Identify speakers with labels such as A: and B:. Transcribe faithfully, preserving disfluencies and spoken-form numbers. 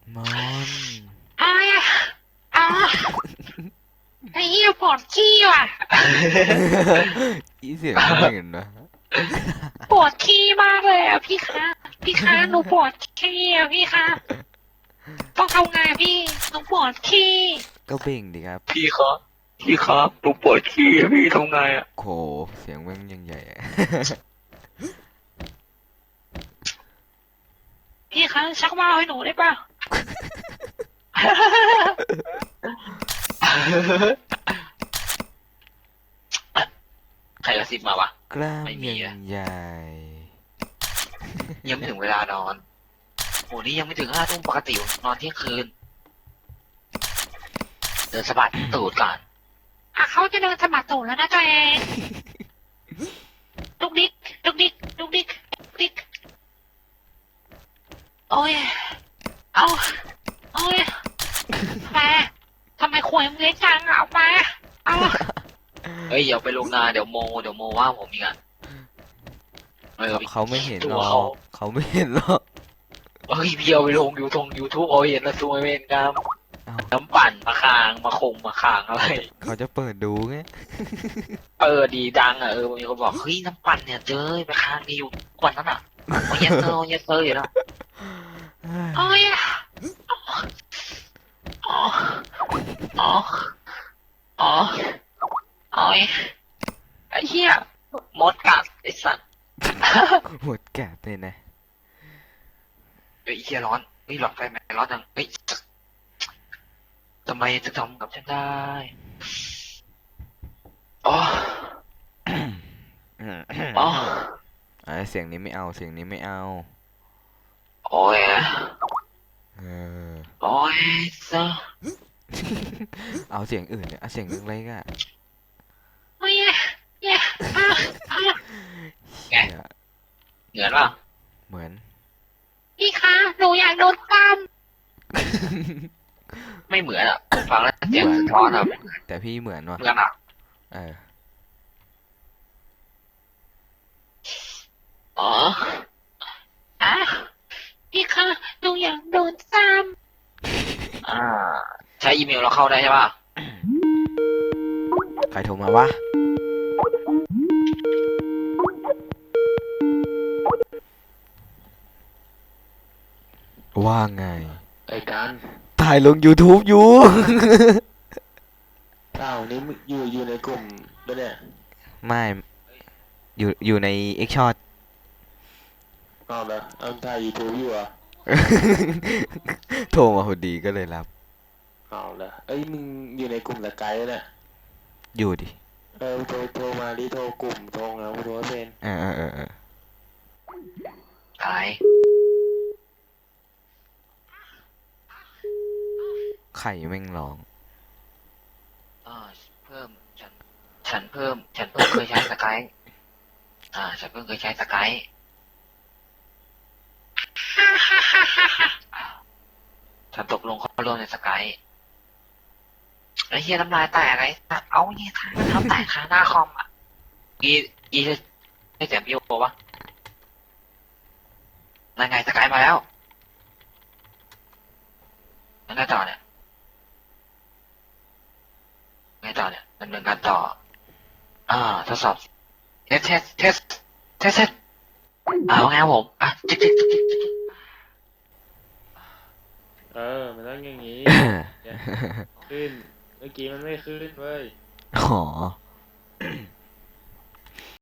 A: มอน
B: อะไรอะอ๋อไอ้เหี้ยปวดขี้ว่ะ
A: อีเสียงไม่เห็นนะ
B: ปวดขี้มากเลยอ่ะพี่คะพี่คะหนูปวดขี้อ่ะพี่คะต้องทำไงพี่หนูปวดขี้
A: ก็เบ่งดิครับ
C: พี่ครับพี่ครับหนูปวดขี้อะพี่ทำไงอ่ะ
A: โหเสียงแม่งยังใหญ่อะ
B: พี่คะชักว่าวให้หนูได้ป่ะ
C: ใครกระซิบมาวะ
A: กล้าม
C: ไม่มี
A: ยั
C: อะ
A: งใหญ่
C: ยังไม่ถึงเวลานอนโหนี่ยังไม่ถึงห้าทุ่มปกตินอนเที่ยงคืนเดินสะบัดตูดก่อน
B: อ่ะเขาจะเดินสมัครตูดแล้วนะตัวเองดุกดิกดุกดิกดุกดิกดุกดิกโอ้ยเอาโอ้ยมาทำไมขวยมึงเล็กจังเอามาเอา
C: เฮ้ยอย่าไปลงนาเดี๋ยวโมเดี๋ยวโมว่าผมอีกอ่ะเออ
A: เขาไม่เห็น
C: ตั
A: หร
C: ว
A: อ
C: เขา
A: กเขาไม่เห็นหรอก
C: เฮ้ยพี่เอาไปลงยูทงยูทูบเอาเห็นแล้วตัวเวนกัน
A: เอ้า
C: น้ำปั่นมาคางมาคงมาคางอะไร
A: เขาจะเปิดดูไง
C: เออดีดังอ่ะเออมีคนบอกเฮ้ยน้ำปั่นเนี่ยเจอไปคางดีอยู่กว่านั้นอ่ะโอ้ยเยสเซอร์โอ้ยเยสเซอร์อยู่แล้ว
B: โอ้ยอ๋ออ๋ออ๋อโอ้ยไอ้เหี้ย
C: มดกัดไอ้สัตว์
A: หมดแกะเลยนะ
C: เฮ้ยเฮียร้อนเฮ้ยหลอดไฟไหมร้อนจังเฮ้ยทำไมจะทำกับฉันได้อ๋ออ๋อ
A: อ่าเสียงนี้ไม่เอาเสียงนี้ไม่เอา
C: โอ้ย
A: เออ
C: โอ้ยซะ
A: เอาเสียงอื่นเนี่ยเอาเสียงเล็กๆอ่ะ
B: โอ้ยเหี้ยอ่ะอ่ะ
A: เหี้ย
C: เหมือนป่ะ
A: เหมือน
B: พี่คะหนูอยากโดนปั้ม
C: ไม่เหมือนอ่ะผมฟังแล้วเสียงสะท้อนอ่ะไม่เหมือน
A: แต่พี่เหมือนว่ะ
C: เหมือนอ่ะ
A: เออ
C: อ๋อ
B: อ่ะพี่คะหนูอยากโดนซ้
C: อ่าใช้อีเมลเราเข้าได้ใช่ป่ะ
A: ใครโทรมาวะว่าไง
D: ไอ้การ
A: ถ่ายลง YouTube อยู่
D: เอ้าวนี่มึงอยู่อยู่ในกลุ่มด้วยเนี่ย
A: ไม่อยู่อยู่ใน X Shot
D: อ้าวเหรอเอาถ่ายยูทูบอยู่เหรอ่ะ
A: โทรมาพอดีก็เลยรับ
D: อ้าวเหรอเอ้ยมึงอยู่ในกลุ่มสกายด้วยเนี่ย
A: อยู่ดิ
D: เออโทรโทรมาดิโทรกลุ่มโทรแล้วโทรไม่เป็น
A: เออเออเออเออ
C: อะไร
A: ไข่แม่งร้อง
C: อ่าเพิ่มฉันฉันเพิ่ม ฉันเพิ่งเคยใช้สกายอ่า ฉันเพิ่งเคยใช้สกายฉันตกลงเข้าร่วมในสกายไอ้เฮียน้ำลายแตกไอ้สัตว์เอาเนี่ยทำทำแตกคาหน้าคอมอ่ะกีกีจะให้เสียงพี่โอปะนั่นไงสกายมาแล้วนั่นไงต่อเนี่ยไงต่อเนี่ยดำเนินการต่อ อ่าทดสอบเทสเทสเทสเทสเทสอ่าว่าไงครับผมอ่ะจิ๊กจิ๊กจิ๊กจิ๊กจิ๊ก
D: เออมันต้องอย่างนี้ขึ้นเมื่อกี้มันไม่ขึ้นเว้ย
A: อ๋อ